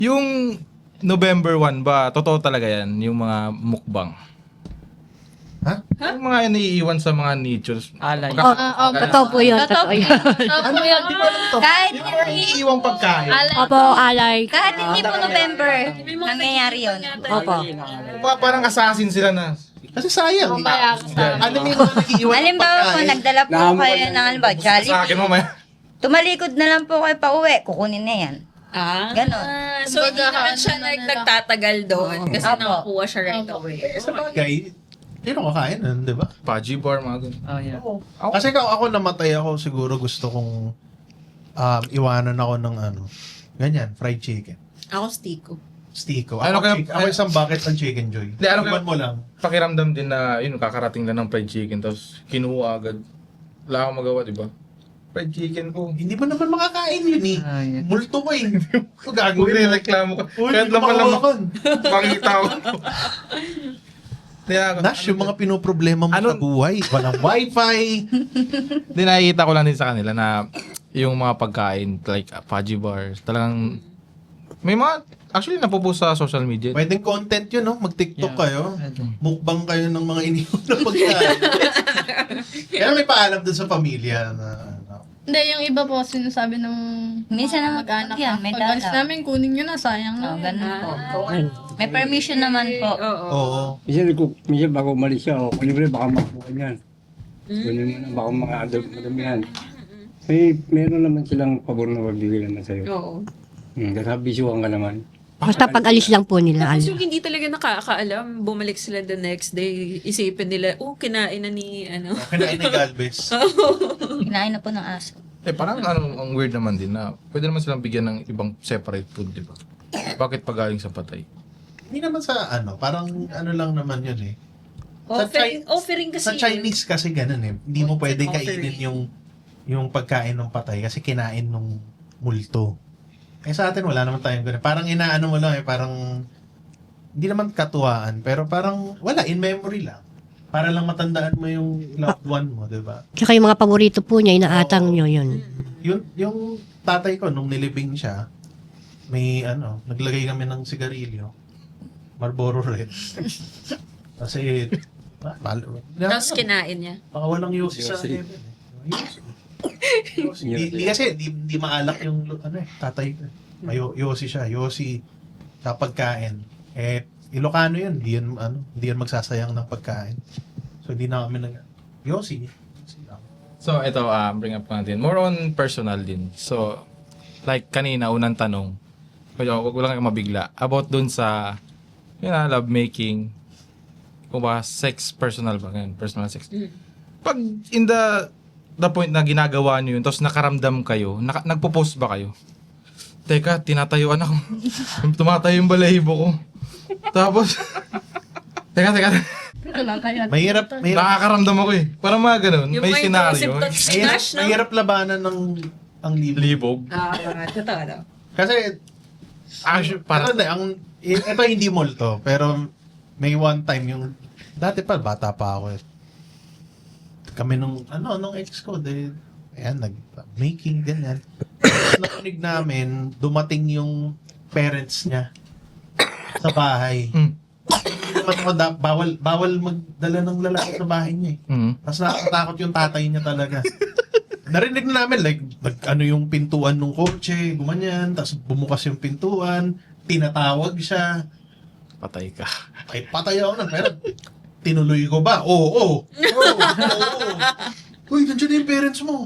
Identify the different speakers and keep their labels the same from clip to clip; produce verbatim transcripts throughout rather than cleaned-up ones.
Speaker 1: Yung November one ba, totoo talaga yan, yung mga mukbang?
Speaker 2: Ha?
Speaker 1: Yung mga iniiwan sa mga nichos.
Speaker 3: Alay.
Speaker 1: Pagka-
Speaker 4: Oo, totoo po yun. Totoo yun.
Speaker 2: Ano yan? Di ko alam to.
Speaker 5: Kahit
Speaker 1: Yung mga iniiwang pagkain.
Speaker 4: Opo, alay.
Speaker 5: kahit hindi po November, nangyayari yun.
Speaker 4: Opo.
Speaker 1: Pa- parang assassin sila na.
Speaker 2: Kasi sayang. Ano yung mga nag-iiwan ng
Speaker 5: Halimbawa po,
Speaker 2: pagkain?
Speaker 5: nagdala po kayo ng halimbawa,
Speaker 1: Sa
Speaker 5: Jollibee.
Speaker 1: akin mamaya.
Speaker 5: Tumalikod na lang po kayo pa uwi, kukunin na yan.
Speaker 6: Ah,
Speaker 5: Ganon.
Speaker 6: so hindi naman siya nag, nagtatagal doon kasi
Speaker 5: Opo.
Speaker 6: nakakuha siya right away.
Speaker 2: Sa bagay, hindi na kakain nun, di ba?
Speaker 1: Paji bar, mga ganun.
Speaker 3: Oh, yeah.
Speaker 2: Kasi ako, ako namatay ako, siguro gusto kong um, iwanan ako ng ano, ganyan, fried chicken.
Speaker 6: Ako stiko.
Speaker 2: Stiko.
Speaker 1: Ano
Speaker 2: Ako,
Speaker 1: kaya-
Speaker 2: chick- ako isang bucket ng chicken joy.
Speaker 1: Hindi, ano kaya-
Speaker 2: Iwan mo lang.
Speaker 1: Pakiramdam din na, yun, kakarating lang ng fried chicken, tapos kinuha agad. Wala akong magawa, di ba? Fried chicken po.
Speaker 2: Hindi mo naman makakain yun eh.
Speaker 3: Ah, yeah.
Speaker 2: Multo ko eh. Ito gagawin mo.
Speaker 1: Magre-reklamo ka.
Speaker 2: Uy,
Speaker 1: Kahit
Speaker 2: hindi
Speaker 1: laman lang
Speaker 2: makawakan.
Speaker 1: makita ko. Kaya,
Speaker 2: Nash, yung mga pinoproblema mo
Speaker 1: Ano-
Speaker 2: sa buhay. Walang wifi.
Speaker 1: Di nakikita ko lang din sa kanila na yung mga pagkain, like uh, Paji bars, talagang may mga, actually napopost sa social media.
Speaker 2: Pwedeng content yun, no? Mag-tiktok
Speaker 3: Yeah.
Speaker 2: kayo. Mukbang kayo ng mga iniwan na pagkain. Kaya may paalam dun sa pamilya na ano.
Speaker 7: Hindi, yung iba po sinasabi ng
Speaker 5: Minsan
Speaker 7: mga
Speaker 5: naman
Speaker 7: mag-anak
Speaker 5: yan, may
Speaker 7: Pag alis
Speaker 5: dala.
Speaker 7: namin, kunin nyo na, sayang
Speaker 5: Oh,
Speaker 7: na.
Speaker 5: ganun po. May permission naman po.
Speaker 6: Oo.
Speaker 2: Oo.
Speaker 8: Minsan ko, minsan bago umalis siya, o libre baka makuha niyan. Kunin mo na, baka mga adult madamihan. May, meron naman silang pabor na magbibigay naman sa'yo.
Speaker 6: Oo.
Speaker 8: Hmm, kasi bisuhan ka naman.
Speaker 4: Basta pag alis lang po nila.
Speaker 6: Tapos
Speaker 4: Ano.
Speaker 6: yung hindi talaga nakakaalam, bumalik sila the next day, isipin nila, oh, kinain na ni, ano.
Speaker 2: Kinain ni Galvez.
Speaker 5: Kinain na po ng aso.
Speaker 1: Eh parang ano, ang weird naman din na pwede naman silang bigyan ng ibang separate food, di ba? Bakit pagaling sa patay?
Speaker 2: Hindi naman sa ano, parang ano lang naman yun eh. Sa
Speaker 6: Offering,
Speaker 2: Chi-
Speaker 6: offering kasi
Speaker 2: Sa Chinese kasi ganun eh. Hindi mo pwedeng kainin
Speaker 6: Offering.
Speaker 2: yung yung pagkain ng patay kasi kinain nung multo. Eh sa atin wala naman tayong ganun. Parang inaano mo lang eh, parang hindi naman katuwaan, pero parang wala, in memory lang. Para lang matandaan mo yung loved one mo, di ba?
Speaker 4: Tsaka yung mga paborito po niya, inaatang
Speaker 2: Oo.
Speaker 4: nyo yun.
Speaker 2: Yung, yung tatay ko, nung nilibing siya, may ano, naglagay kami ng sigarilyo. Marlboro Red. Kasi, ba, bal-
Speaker 6: Tapos kinain niya.
Speaker 2: baka walang yosi sa
Speaker 8: Yosi.
Speaker 2: heaven. eh. Yosi. Di, di kasi, di, di maalak yung ano eh, tatay ko. eh. May yo- yosi siya, yosi sa pagkain. Eh, Ilocano yun, di yun, ano, di yun magsasayang ng pagkain. So, di na kami nag, yosi. Yosi lang.
Speaker 1: So ito, ah bring up natin. More on personal din. So, like kanina, unang tanong. Kaya wag lang kayo mabigla. About dun sa, yun na, love making. Kung ba, sex, personal ba? Ganun, personal sex.
Speaker 6: Mm.
Speaker 1: Pag in the, the point na ginagawa nyo yun, tapos nakaramdam kayo, naka, nagpo-post ba kayo? Teka, tinatayuan ako. Tumatayo yung balahibo ko. Tapos, teka, teka.
Speaker 7: Ito lang kaya.
Speaker 2: Mahirap, mahirap,
Speaker 1: Nakakaramdam ako eh. Parang mga ganun.
Speaker 6: Yung
Speaker 1: May
Speaker 6: mga
Speaker 1: senaryo.
Speaker 6: intrusive thoughts ni
Speaker 2: mahirap,
Speaker 6: Nash, no?
Speaker 2: mahirap labanan ng ang libo.
Speaker 1: Libog.
Speaker 6: Ah, totoo daw.
Speaker 2: Kasi,
Speaker 1: Actually,
Speaker 2: Para
Speaker 1: parang,
Speaker 2: ang ito hindi multo, pero may one time yung dati pa bata pa ako eh. Kami nung ano nung ex ko de ayan nag making ganyan. Nakinig namin dumating yung parents niya sa bahay.
Speaker 1: mm,
Speaker 2: Hindi naman ako da- bawal bawal magdala ng lalaki sa bahay niya eh.
Speaker 1: mm,
Speaker 2: Tapos nakakatakot yung tatay niya talaga. Narinig na namin, like, nag, ano yung pintuan ng kotse, gumanyan, tapos bumukas yung pintuan, tinatawag siya,
Speaker 1: patay ka.
Speaker 2: ay patay ako na, pero tinuloy ko ba? Oo, oo, oo, oo. Uy, nandiyan na yung parents mo.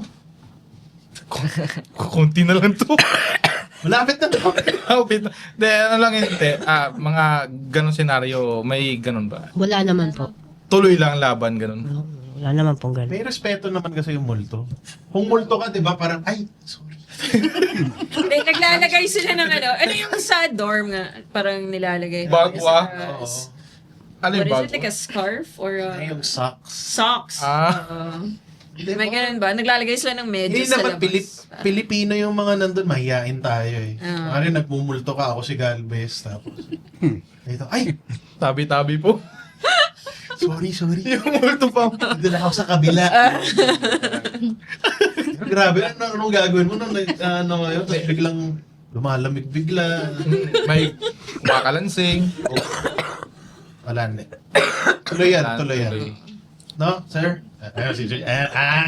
Speaker 1: Kunti na lang to.
Speaker 2: Malapit na.
Speaker 1: Kapit na. De, ano lang yun, te, ah, mga ganong senaryo, may ganon ba?
Speaker 4: Wala naman po.
Speaker 1: Tuloy lang laban, ganon.
Speaker 4: Wala naman pong ganun.
Speaker 2: May respeto naman kasi yung multo. Kung multo ka, di ba, parang, ay, sorry.
Speaker 6: Hindi, naglalagay sila ng ano. Ano yung sa dorm nga? Parang nilalagay.
Speaker 1: Bagwa?
Speaker 6: Sa-
Speaker 2: Oo.
Speaker 1: Ano
Speaker 6: What
Speaker 1: yung
Speaker 6: is
Speaker 1: bago?
Speaker 6: it? Like a scarf? Or a...
Speaker 2: Ay, yung socks.
Speaker 6: Socks.
Speaker 1: Ah.
Speaker 6: Oo.
Speaker 2: Di
Speaker 6: may
Speaker 2: ba?
Speaker 6: ganun ba? Naglalagay sila ng
Speaker 2: Hindi
Speaker 6: medyas sa
Speaker 2: naman,
Speaker 6: labas.
Speaker 2: Pilip, Pilipino yung mga nandun, mahihain tayo eh.
Speaker 6: Ah.
Speaker 2: Mari, nagmumulto ka, ako si Galvez, tapos, ito, ay,
Speaker 1: Tabi-tabi po.
Speaker 2: sorry, sorry.
Speaker 1: Yung multo pa.
Speaker 2: Doon ako sa kabila. Pero grabe, ano, anong gagawin mo nung nag- ano ngayon, tapos biglang lumalamig bigla.
Speaker 1: May makalansing.
Speaker 2: Wala na. Tuloy yan, tuloy yan. No, sir? Ayun, si Junior. Eh, ah!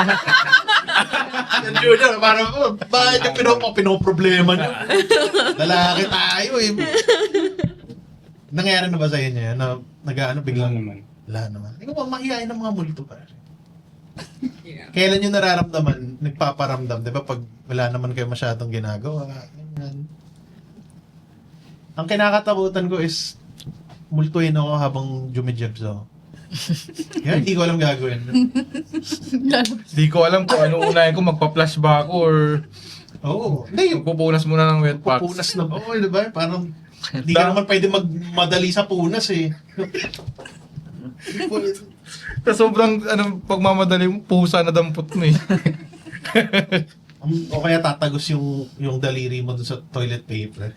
Speaker 2: Yung Junior, parang, oh, bakit yung pino, pinoproblema niyo? Lalaki tayo eh. Nangyari na ba sa inyo yan? Na, nag-ano,
Speaker 8: Wala
Speaker 2: biglang,
Speaker 8: naman.
Speaker 2: wala naman. Ikaw ba, mahihain ng mga multo pa.
Speaker 6: Yeah.
Speaker 2: Kailan yung nararamdaman, nagpaparamdam, di ba? Pag wala naman kayo masyadong ginagawa, ganyan. Ang kinakatakutan ko is, multuin ako habang jumijibs ako. Yan, hindi ko alam gagawin.
Speaker 1: Di ko alam kung ano unahin ko, magpa-flash ba ako or
Speaker 2: Oo. Hindi, yung
Speaker 1: pupunas muna ng wet packs.
Speaker 2: pupunas na ba? Oo, di ba? Parang, hindi ka naman pwede magmadali sa punas eh.
Speaker 1: Sa sobrang ano, pagmamadali mo, pusa na dampot mo eh.
Speaker 2: Um, o kaya tatagos yung yung daliri mo dun sa toilet paper.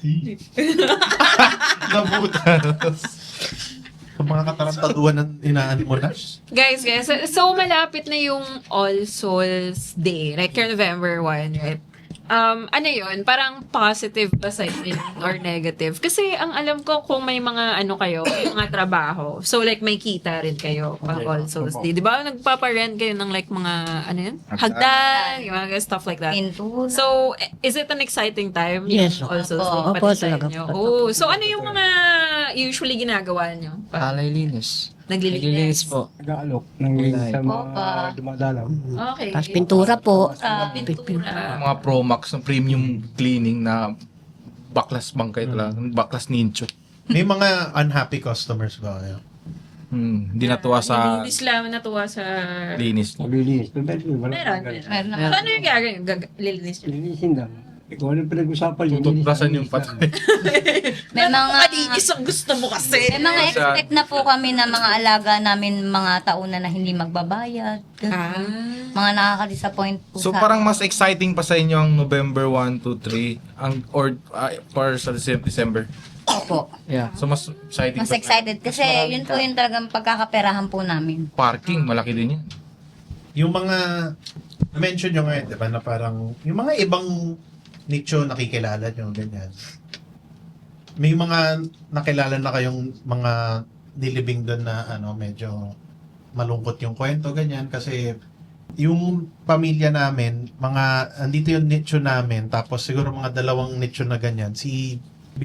Speaker 2: Nabutas. Sa mga katarantaduhan ng inaan mo na.
Speaker 6: Guys, guys, so, so malapit na yung All Souls Day, like your November first, right? Um, ano yun? Parang positive ba sa inyo or negative? Kasi ang alam ko kung may mga ano kayo, may mga trabaho. So like may kita rin kayo pang All Souls Day. Di ba nagpaparent kayo ng like mga ano yun? Hagdan, yung mga stuff like that.
Speaker 5: Pinto.
Speaker 6: So, is it an exciting time?
Speaker 4: Yes,
Speaker 6: yung All Souls
Speaker 5: opo.
Speaker 6: Day
Speaker 4: Opo,
Speaker 6: pati sa
Speaker 4: talaga
Speaker 6: inyo?
Speaker 4: po.
Speaker 6: Oh, so ano yung mga usually ginagawa nyo?
Speaker 3: Alay linis.
Speaker 6: Naglilinis?
Speaker 3: Naglilinis po.
Speaker 8: Nag-aalok ng sa mga
Speaker 5: Opa.
Speaker 8: dumadalaw.
Speaker 6: Okay.
Speaker 4: Tapos pintura po.
Speaker 5: Ah,
Speaker 6: Pintura.
Speaker 1: Mga Promax ng premium cleaning na baklas bangkay talaga. Baklas nincho.
Speaker 2: May mga unhappy customers ba kayo?
Speaker 1: Hmm, hindi natuwa sa
Speaker 6: Nilinis lang, natuwa sa...
Speaker 1: linis.
Speaker 8: Maglilinis. Pero wala.
Speaker 6: Meron,
Speaker 8: ganun.
Speaker 6: meron.
Speaker 5: Meron.
Speaker 6: So, ano yung gagawin? Gag- lilinis nyo?
Speaker 8: Lilinisin lang. Ikaw anong pinag-usapan?
Speaker 1: Tututlasan yung
Speaker 8: Lilinisin
Speaker 1: patay.
Speaker 5: May mga,
Speaker 6: Malinis ang gusto mo kasi.
Speaker 5: may mga
Speaker 1: Sa-
Speaker 5: expect na po kami na mga alaga namin mga tauna na hindi magbabayad.
Speaker 6: Ah.
Speaker 5: Mga nakaka-disappoint po
Speaker 1: So
Speaker 5: sa
Speaker 1: parang mas exciting pa sa inyo ang November one, two, three ang or uh, para sa Decem- December.
Speaker 5: Opo.
Speaker 3: Yeah.
Speaker 1: So mas exciting
Speaker 5: Mas
Speaker 1: pa.
Speaker 5: excited kasi yun po yung talagang pagkakaperahan po namin.
Speaker 1: Parking, malaki din yan.
Speaker 2: Yung mga, na-mention nyo ngayon, di ba, na parang, yung mga ibang nicho nakikilala nyo, ganyan. May mga nakilala na kayong mga nilibing doon na ano, medyo malungkot yung kwento, ganyan, kasi yung pamilya namin, mga, andito yung nicho namin, tapos siguro mga dalawang nicho na ganyan, si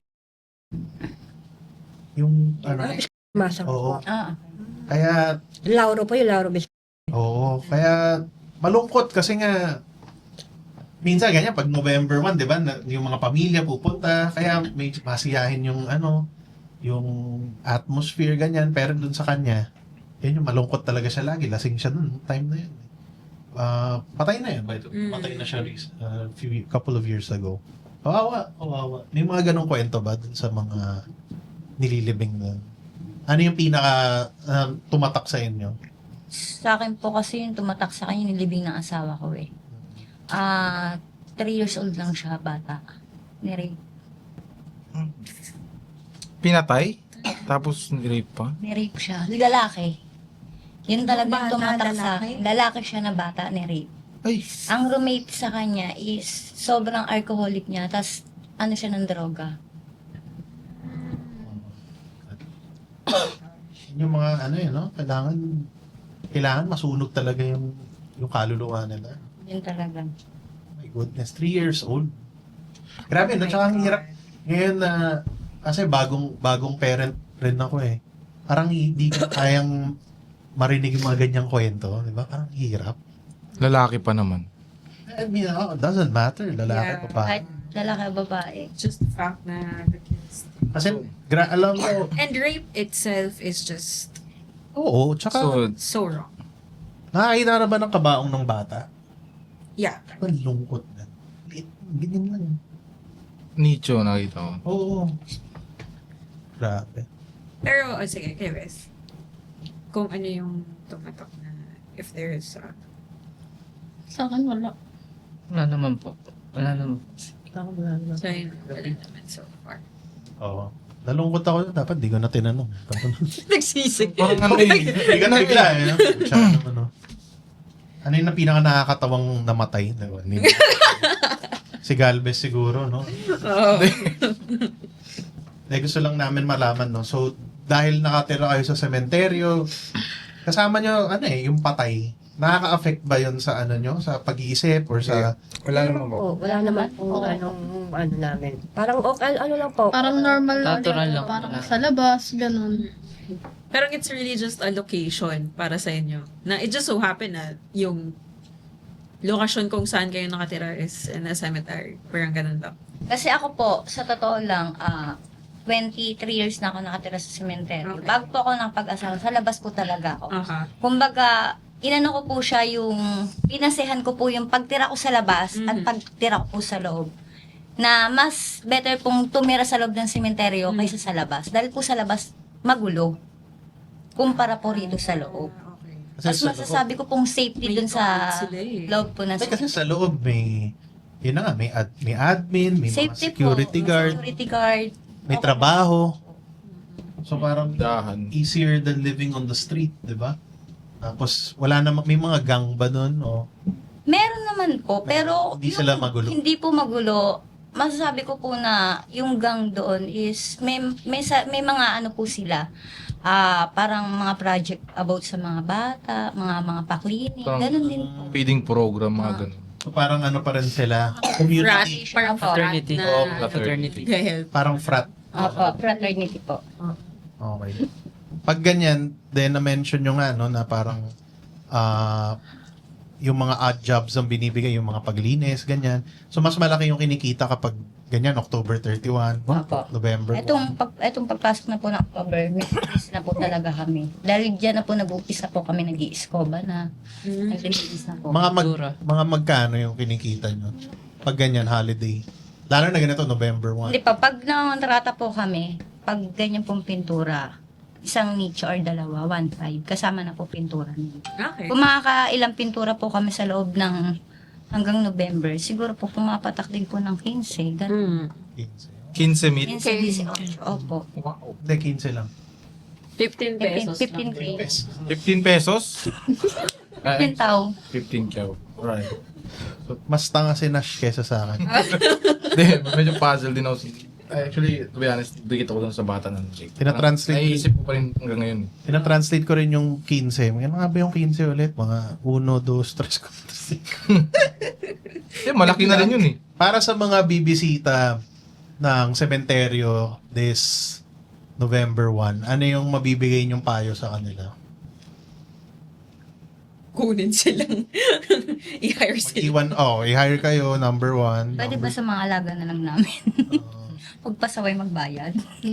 Speaker 2: yung, ano,
Speaker 4: Masang
Speaker 2: oo,
Speaker 4: po.
Speaker 5: Ah,
Speaker 2: kaya,
Speaker 4: Lauro po yung Lauro Bis.
Speaker 2: oo, kaya malungkot kasi nga minsan ganyan pag November one, 'di ba? na- Yung mga pamilya pupunta, kaya may masiyahin yung ano, yung atmosphere ganyan, pero dun sa kanya, yun yung malungkot talaga siya lagi, lasing siya dun time na yun. Ah, patay na yun, by the way.
Speaker 6: Mm.
Speaker 2: Patay na siya a few couple of years ago. Kawawa, kawawa. May mga ganong kwento ba dun sa mga nililibing na? Ano yung pinaka ah, tumatak sa inyo?
Speaker 5: sa akin po kasi yung tumatak sa akin yung nilibing ng asawa ko eh. Ah, three years old lang siya, bata. Ni-rape.
Speaker 1: Pinatay, tapos rape pa.
Speaker 5: Ni-rape siya. Lalaki. Yun talagang
Speaker 7: Bata,
Speaker 5: tumatak sa
Speaker 7: lalaki?
Speaker 5: akin. Lalaki siya na bata, ni-rape.
Speaker 1: Ay,
Speaker 5: Ang roommate sa kanya is sobrang alcoholic niya, tas ano siya ng droga.
Speaker 2: Yung mga ano yun, no? Kailangan kailangan masunog talaga yung yung kaluluwa nila.
Speaker 5: Yun talaga.
Speaker 2: My goodness, three years old. Grabe, no? Tsaka ang hirap. Ngayon na, kasi bagong bagong parent rin ako eh. Parang hindi ko kayang marinig yung mga ganyang kwento. Di ba? Parang hirap.
Speaker 1: lalaki pa naman.
Speaker 2: I mean, oh, it doesn't matter. Lalaki
Speaker 6: Yeah.
Speaker 2: pa pa.
Speaker 5: Kahit lalaki o babae.
Speaker 6: Just the fact na the kids.
Speaker 2: Kasi, gra- alam ko,
Speaker 6: And rape itself is just
Speaker 2: oo, tsaka,
Speaker 1: So,
Speaker 6: so wrong.
Speaker 2: nakakita na ba ng kabaong ng bata?
Speaker 6: Yeah.
Speaker 2: Ang lungkot na. Ganyan lang.
Speaker 1: nicho nakita ko.
Speaker 2: Oo. Grabe.
Speaker 6: Pero, oh, sige, kay Wes. Kung ano yung tumatak na if there is uh,
Speaker 7: Sa akin wala.
Speaker 3: Wala naman po. Wala naman.
Speaker 6: so yun, wala naman so far.
Speaker 2: Oo. Nalungkot ako. Dapat di ko na tinanong.
Speaker 6: Nagsisig.
Speaker 1: Parang ano eh.
Speaker 2: Hindi ka na bigla eh. no? Siya, ano, ano. Ano yung na pinaka nakakatawang namatay? Diba? Ni- Si Galvez siguro, no?
Speaker 6: Oo.
Speaker 2: Eh, gusto lang namin malaman, no? So, dahil nakatira kayo sa sementeryo, kasama nyo, ano eh, yung patay. Nakaka-affect ba yun sa ano nyo? Sa pag-iisip or sa...
Speaker 8: Wala naman po.
Speaker 4: Oo, wala naman po anong ano namin. Parang okay, ano lang po.
Speaker 7: Parang normal lang.
Speaker 3: Natural lang.
Speaker 7: Parang sa labas, ganun.
Speaker 6: Parang it's really just a location para sa inyo. Na it just so happen na yung location kung saan kayo nakatira is in a cemetery. Parang ganun lang.
Speaker 5: Kasi ako po, sa totoo lang, ah twenty-three years na ako nakatira sa sementeryo.
Speaker 6: Okay.
Speaker 5: Bago po ako nakapag-asawa, sa labas po talaga ako.
Speaker 6: Aha.
Speaker 5: Kumbaga, inano ko po siya yung, pinasehan ko po yung pagtira ko sa labas at
Speaker 6: Mhm.
Speaker 5: pagtira ko po sa loob. Na mas better pong tumira sa loob ng sementeryo kaysa sa labas. Dahil po sa labas, magulo. Kumpara po rito sa loob.
Speaker 6: Okay.
Speaker 2: Kasi
Speaker 5: Mas
Speaker 2: sa loob-
Speaker 5: masasabi ko pong safety
Speaker 6: May
Speaker 5: dun sa
Speaker 6: guard sila eh.
Speaker 5: loob po ng
Speaker 2: Ay, kasi sa loob may... Yun na nga, may, ad, may admin, may
Speaker 5: safety
Speaker 2: mga security
Speaker 5: po,
Speaker 2: guard,
Speaker 5: security guard.
Speaker 2: may
Speaker 5: Okay.
Speaker 2: trabaho. So parang
Speaker 1: Dahan.
Speaker 2: easier than living on the street, di ba? Tapos wala namang may mga gang ba doon o
Speaker 5: Meron naman po, pero
Speaker 2: Hindi sila magulo.
Speaker 5: Hindi po magulo. Masasabi ko po na yung gang doon is may may sa- may mga ano po sila. Ah, parang mga project about sa mga bata, mga mga paklinik,
Speaker 1: Parang-
Speaker 5: ganun din po.
Speaker 1: Feeding program, mga ganun.
Speaker 2: so parang ano pa rin sila,
Speaker 6: Frat,
Speaker 2: community,
Speaker 6: parang
Speaker 3: Fraternity.
Speaker 6: frat
Speaker 1: Oo,
Speaker 6: na
Speaker 3: Fraternity.
Speaker 6: Gahel.
Speaker 2: parang frat.
Speaker 5: Opo, fraternity po.
Speaker 2: Okay. Pag ganyan, then na-mention nyo nga, no, na parang ah yung mga odd jobs ang binibigay, yung mga paglinis, ganyan. So, mas malaki yung kinikita kapag ganyan, October thirty-first,
Speaker 5: Opo.
Speaker 2: November
Speaker 5: Etong pag etong pagpasok na po ng October, may business na po talaga kami. Dahil diyan na po nag-umpisa po kami nag-iiskoba na.
Speaker 6: Mm.
Speaker 5: Naglilinis na po.
Speaker 2: Mga mag,
Speaker 3: Dura.
Speaker 2: mga magkano yung kinikita nyo? Pag ganyan, holiday. Lalo na ganito, November
Speaker 5: Hindi
Speaker 2: first.
Speaker 5: pa, pag nangontrata po kami, pag ganyan pong pintura, isang nicho or dalawa, one five, kasama na po pintura niyo.
Speaker 6: Okay.
Speaker 5: Kung makakailang pintura po kami sa loob ng hanggang November, siguro po pumapatak din po ng fifteen, ganun.
Speaker 6: Mm.
Speaker 1: quince meet.
Speaker 5: fifteen, eighteen, opo.
Speaker 1: Wow.
Speaker 2: Hindi, fifteen lang.
Speaker 6: fifteen pesos.
Speaker 5: fifteen
Speaker 6: lang.
Speaker 5: K.
Speaker 1: fifteen pesos?
Speaker 5: fifteen tao.
Speaker 1: fifteen K. Right.
Speaker 2: Mas tanga si Nash kesa sa akin.
Speaker 1: Hindi, medyo puzzle din ako. sa- Actually, to be honest, dikit ako dun sa bata ng Jake.
Speaker 2: Tinatranslate ko-
Speaker 1: Naiisip ko pa rin hanggang ngayon.
Speaker 2: Tinatranslate ko rin yung fifteen. Ano nga ba yung fifteen ulit? Mga one, two, three, four.
Speaker 1: Eh, malaki na rin yun eh.
Speaker 2: Para sa mga bibisita ng sementeryo this November first, ano yung mabibigay niyong payo sa kanila?
Speaker 6: Kunin silang i-hire sila.
Speaker 2: Iwan, oh, i-hire kayo, number one.
Speaker 5: Pwede ba
Speaker 2: number,
Speaker 5: sa mga alaga na lang namin?
Speaker 2: uh,
Speaker 5: Pagpasaway magbayad.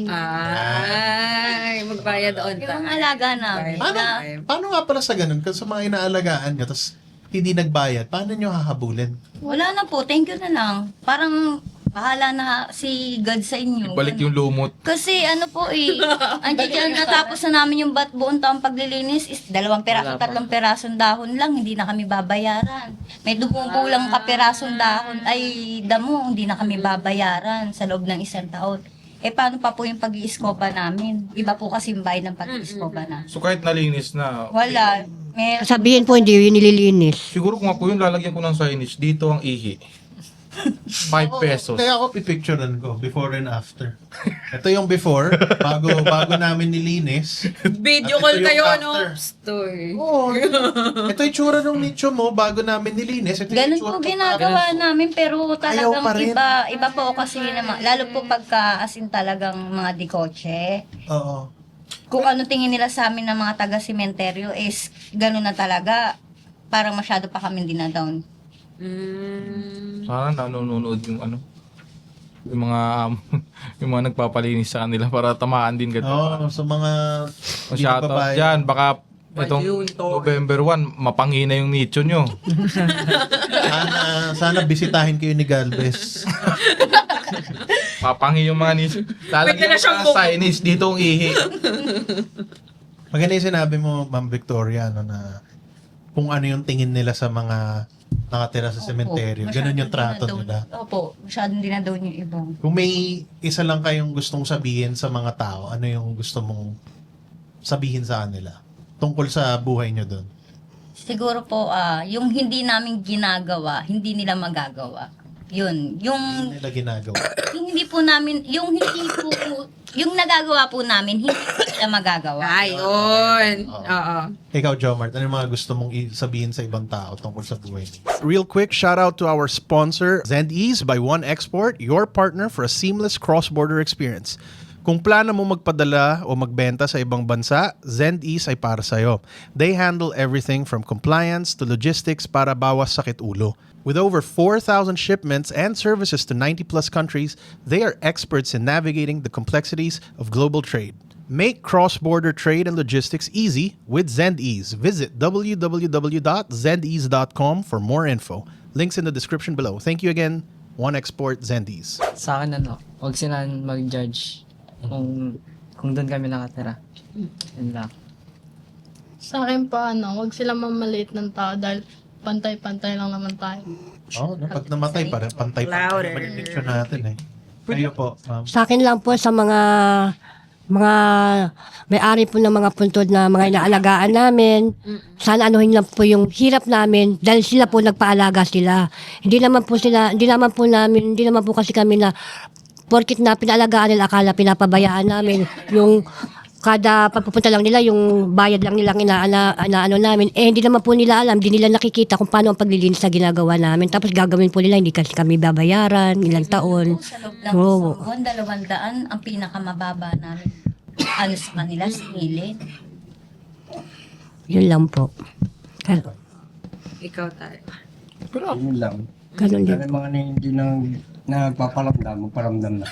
Speaker 6: Ay, magbayad on
Speaker 5: Yung mga
Speaker 6: time.
Speaker 5: alaga namin.
Speaker 2: paano,
Speaker 5: Na,
Speaker 2: paano nga pala sa ganun? Kasi sa mga inaalagaan nyo, tapos hindi nagbayad, paano nyo hahabulin?
Speaker 5: wala na po, thank you na lang. Parang bahala na si God sa inyo.
Speaker 1: Ibalik yung lumot.
Speaker 5: Kasi ano po eh, andiyan dyan natapos na namin yung bat buong taong paglilinis is dalawang peraso,
Speaker 3: Wala pa.
Speaker 5: tatlong perasong dahon lang, hindi na kami babayaran. May dumugulang kaperasong dahon, ay damo, hindi na kami babayaran sa loob ng isang taon. Eh paano pa po yung pag-iiskoba namin? Iba po kasi yung bayad ng pag-iiskoba na.
Speaker 1: So kahit nalinis na,
Speaker 5: Wala. May,
Speaker 4: Sabihin po, hindi yun nililinis.
Speaker 1: siguro kung ako yun, lalagyan ko ng signage, dito ang ihi. five pesos.
Speaker 2: Kaya ako pipicturean ko, before and after. Ito yung before, bago bago namin nilinis.
Speaker 6: Video
Speaker 2: At
Speaker 6: call
Speaker 2: ito yung
Speaker 6: kayo,
Speaker 2: after.
Speaker 6: ano? Story.
Speaker 2: Oo. Ito yung tsura ng nicho mo bago namin nilinis. Ito yung
Speaker 5: ganun
Speaker 2: tsura
Speaker 5: po
Speaker 2: ko
Speaker 5: ginagawa namin pero talagang
Speaker 2: pa rin.
Speaker 5: iba iba po kasi naman lalo po pagka asin talagang mga dikotse.
Speaker 2: pa. Oo.
Speaker 5: Kung ano tingin nila sa amin ng mga taga-sementeryo is ganun na talaga. Parang masyado pa kami dinadown.
Speaker 6: Mm.
Speaker 1: Sana nanonood yung ano, yung mga um, yung mga nagpapalinis sa kanila para tamaan din ganito.
Speaker 2: Oo, sa mga
Speaker 1: O shoutout
Speaker 2: babae.
Speaker 1: dyan, baka itong November first, mapangina yung nicho nyo.
Speaker 2: Sana, sana bisitahin kayo ni Galvez.
Speaker 1: Mapangi yung mga nicho. Lalagyan
Speaker 6: Pwede na
Speaker 1: mo
Speaker 6: siyang
Speaker 1: ng
Speaker 6: bumuk-
Speaker 1: signage, dito ang ihi.
Speaker 2: Maganda yung sinabi mo, Ma'am Victoria, ano, na kung ano yung tingin nila sa mga nakatira sa sementeryo. Ganun yung trato
Speaker 5: dinadown.
Speaker 2: nila.
Speaker 5: Opo, masyadong dinadown yung ibang.
Speaker 2: Kung may isa lang kayong gustong sabihin sa mga tao, ano yung gusto mong sabihin sa kanila? Tungkol sa buhay nyo doon.
Speaker 5: Siguro po, ah, yung hindi namin ginagawa, hindi nila magagawa. Yun. Yung,
Speaker 2: Hindi nila ginagawa.
Speaker 5: yung hindi po namin, yung hindi po, yung nagagawa po namin, hindi po sila magagawa.
Speaker 6: Ayun.
Speaker 2: Oo.
Speaker 6: Oo.
Speaker 2: Ikaw, Jomart, ano yung mga gusto mong i- sabihin sa ibang tao tungkol sa buhay mo?
Speaker 9: Real quick, shout out to our sponsor, Zendease by One Export, your partner for a seamless cross-border experience. Kung plano mo magpadala o magbenta sa ibang bansa, Zendease ay para sa'yo. They handle everything from compliance to logistics para bawas sakit ulo. With over four thousand shipments and services to ninety plus countries, they are experts in navigating the complexities of global trade. Make cross-border trade and logistics easy with Zendease. Visit w w w dot zendease dot com for more info. Links in the description below. Thank you again, One Export Zendease.
Speaker 3: Sa akin ano, huwag sila mag-judge kung kung doon kami nakatira. Yun lang.
Speaker 7: Sa akin pa, ano, huwag sila mamaliit ng tao dahil pantay-pantay lang naman tayo.
Speaker 2: Oo, no? Pag namatay, parang pantay-pantay
Speaker 6: Louder.
Speaker 2: naman yung picture natin eh. Kayo po, ma'am.
Speaker 4: Sa akin lang po sa mga mga may-ari po ng mga puntod na mga inaalagaan namin. Sana anuhin lang po yung hirap namin dahil sila po nagpaalaga sila. Hindi naman po sila, hindi naman po namin, hindi naman po kasi kami na porkit na pinaalagaan nila, akala pinapabayaan namin yung kada pagpupunta lang nila, yung bayad lang nilang inaana, inaano namin. Eh, hindi naman po nila alam, hindi nila nakikita kung paano ang paglilinis na ginagawa namin. Tapos gagawin po nila, hindi kasi kami babayaran, ilang taon.
Speaker 5: Sa loob ng
Speaker 4: Oo.
Speaker 5: isang buwan, dalawang daan, ang pinakamababa namin. Ano sa kanila, singilin.
Speaker 4: Yun lang po. Gan-
Speaker 6: Ikaw tayo.
Speaker 8: Yun lang.
Speaker 4: Ganun din.
Speaker 8: Kaya mga na hindi nang nagpaparamdam, magparamdam na.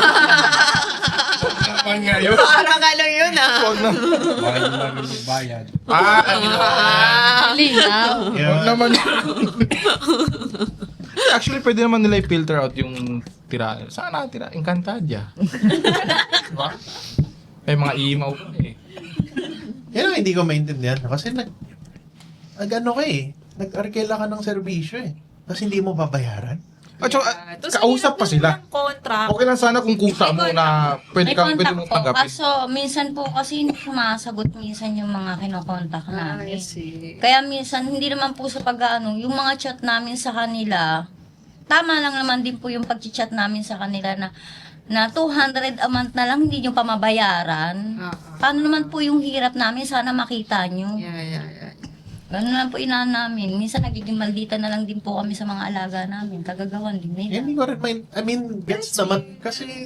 Speaker 1: Naman nga yun.
Speaker 6: Parang ano yun ah.
Speaker 8: Mga hindi namin may bayad.
Speaker 1: Ah, ano?
Speaker 7: Linaw.
Speaker 1: Huwag naman. Actually, pwede naman nila i-filter out yung tira. Saan nakatira? Encantadia. Diba? May mga imaw pa eh.
Speaker 2: Yan ang hindi ko maintindihan. Kasi nag, nag ano ka eh. Nag-arkela ka ng serbisyo eh. Kasi hindi mo babayaran.
Speaker 1: At saka,
Speaker 6: Yeah. Tapos
Speaker 1: kausap pa sila.
Speaker 6: ang contract.
Speaker 1: Okay lang sana kung kusa mo na pwede
Speaker 5: May
Speaker 1: kang pwede
Speaker 5: contact
Speaker 1: mong
Speaker 5: po.
Speaker 1: tanggapin.
Speaker 5: Kaso, minsan po kasi hindi sumasagot minsan yung mga kinokontak
Speaker 6: Ah, I
Speaker 5: namin.
Speaker 6: see.
Speaker 5: Kaya minsan, hindi naman po sa pag-ano, yung mga chat namin sa kanila, tama lang naman din po yung pag-chat namin sa kanila na na two hundred a month na lang, hindi nyo pa mabayaran.
Speaker 6: Ah, ah.
Speaker 5: Paano naman po yung hirap namin? Sana makita nyo.
Speaker 6: Yeah, yeah, yeah.
Speaker 5: Ganun lang po inaan namin. Minsan nagiging maldita na lang din po kami sa mga alaga namin. Kagagawan din
Speaker 2: Eh,
Speaker 5: nila.
Speaker 2: hindi ko rin main, I mean, gets naman. Kasi,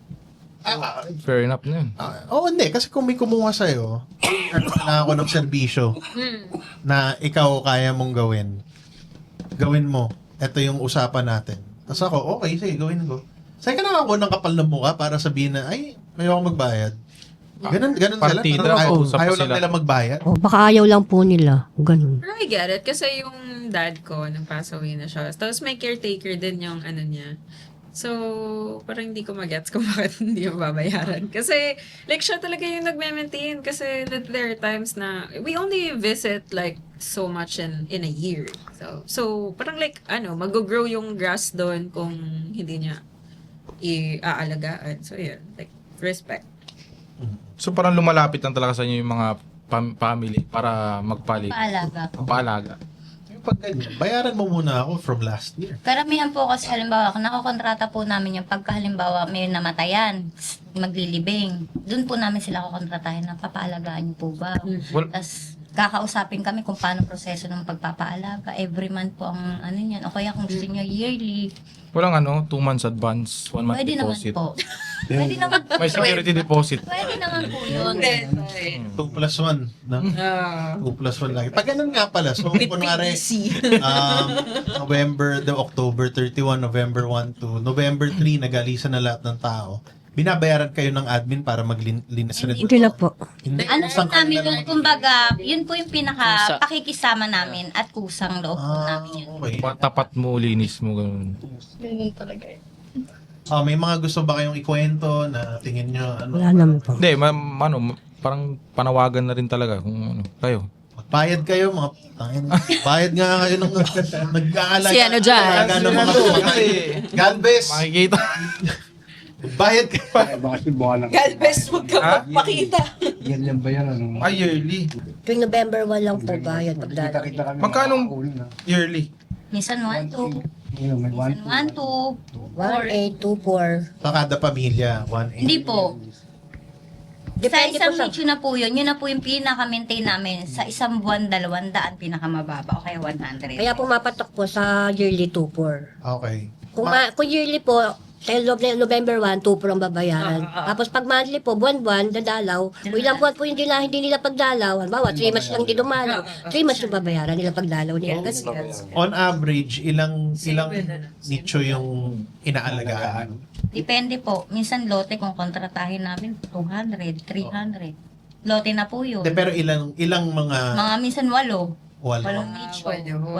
Speaker 2: ah,
Speaker 1: Fair enough na yun.
Speaker 2: ah, oo, hindi. Kasi kung may kumuha sa'yo, na ako ng serbisyo na ikaw kaya mong gawin, gawin mo. Ito yung usapan natin. Tapos ako, okay, sige, gawin ko. Sa'yo ka na ako ng kapal ng mukha para sabihin na, ay, may ako magbayad. Ganun, ganun sila.
Speaker 1: Partida,
Speaker 2: Parang ayaw,
Speaker 1: usap
Speaker 2: ayaw
Speaker 1: sila.
Speaker 2: lang nila magbayad.
Speaker 4: O, baka ayaw lang po nila. Ganun.
Speaker 6: Pero I get it. Kasi yung dad ko, nang pass away na siya. Tapos may caretaker din yung ano niya. So, parang hindi ko magets kung bakit hindi mo babayaran. Kasi, like, siya talaga yung nagme-maintain. Kasi there are times na, we only visit, like, so much in in a year. So, so parang like, ano, mag-grow yung grass doon kung hindi niya i-aalagaan. So, yun. Like, respect.
Speaker 1: So parang lumalapit lang talaga sa inyo yung mga pam- family para magpalit.
Speaker 5: Paalaga po.
Speaker 1: Paalaga.
Speaker 2: Yung pag ganyan, bayaran mo muna ako from last year.
Speaker 5: Karamihan po kasi halimbawa, nakokontrata po namin yung pagka halimbawa may namatayan, maglilibing. Doon po namin sila kukontratahin na papaalagaan niyo po ba?
Speaker 1: Well,
Speaker 5: Tapos kakausapin kami kung paano proseso ng pagpapaalaga. Every month po ang ano niyan. O kaya kung gusto niyo yearly,
Speaker 1: walang ano, two months advance, one month
Speaker 5: pwede naman
Speaker 1: deposit.
Speaker 5: po. Pwede naman,
Speaker 1: May security deposit.
Speaker 5: pwede naman po yun.
Speaker 2: two plus one. No?
Speaker 6: Ah.
Speaker 2: two plus one lang. Pag ganun nga pala, so kunwari, um, November, the October thirty-first, November first to November third, nag-alisan na lahat ng tao. Binabayaran kayo ng admin para maglinis rin.
Speaker 4: Hindi na po.
Speaker 2: Hindi.
Speaker 5: Ano po
Speaker 2: Kusang
Speaker 5: namin
Speaker 2: kanila
Speaker 5: yun,
Speaker 2: naman.
Speaker 5: kumbaga, yun po yung pinaka
Speaker 3: Kusa.
Speaker 5: pakikisama namin at kusang loob po
Speaker 2: Ah,
Speaker 5: namin yun.
Speaker 2: okay.
Speaker 1: Tapat mo, linis mo, ganun.
Speaker 7: Ganun talaga eh.
Speaker 2: Ah, may mga gusto ba kayong ikwento na tingin nyo, ano,
Speaker 4: Wala naman po.
Speaker 1: Hindi, ma- ano, parang panawagan na rin talaga kung ano, kayo.
Speaker 2: bayad kayo, mga tangin. Bayad nga kayo ng nag-aalaga.
Speaker 6: Si ano dyan?
Speaker 2: nag-aalaga ng mga tumatay. God bless.
Speaker 1: Makikita.
Speaker 2: Bayad kayo.
Speaker 8: Ay, baka si buwan ng...
Speaker 6: Galvez, huwag ka
Speaker 1: Ha?
Speaker 6: magpakita.
Speaker 8: Yan yan ba yan? Ano?
Speaker 1: Ay, yearly.
Speaker 4: Tuwing November one lang po bayad.
Speaker 8: Kita-kita kami.
Speaker 1: Magkano?
Speaker 8: makakauwi na.
Speaker 1: Yearly.
Speaker 5: Minsan one, two.
Speaker 8: Ayun, may one,
Speaker 5: Minsan one, two,
Speaker 4: one, eight, two, four.
Speaker 2: So, kada pamilya, one eight.
Speaker 5: Hindi po. Sa
Speaker 4: Depende
Speaker 5: isang
Speaker 4: po sa...
Speaker 5: nicho na po yun, yun na po yung pinaka-maintain namin. Sa isang buwan, dalawang daan, pinakamababa o kaya one hundred.
Speaker 4: Kaya pumapatok po sa yearly two, four.
Speaker 2: Okay.
Speaker 4: Kung,
Speaker 2: Ma-
Speaker 4: ma- kung yearly po, sa loob ng November one, two po ang babayaran.
Speaker 6: Ah, ah, ah.
Speaker 4: Tapos pag monthly po, buwan-buwan, dadalaw. Kung ilang buwan po yung nila, hindi nila pagdalaw. Halimbawa, three months lang din dumalaw. three months yung babayaran nila pagdalaw nila.
Speaker 6: Yes,
Speaker 4: Ganun.
Speaker 6: yes.
Speaker 2: On average, ilang
Speaker 6: Same
Speaker 2: ilang
Speaker 6: with ano.
Speaker 2: nicho yung inaalagaan?
Speaker 5: Depende po. Minsan lote kung kontratahin namin, two hundred, three hundred. Lote na po yun.
Speaker 2: De, pero ilang ilang mga
Speaker 5: Mga minsan walo.
Speaker 2: wala.
Speaker 5: Walong nicho.
Speaker 6: Walo.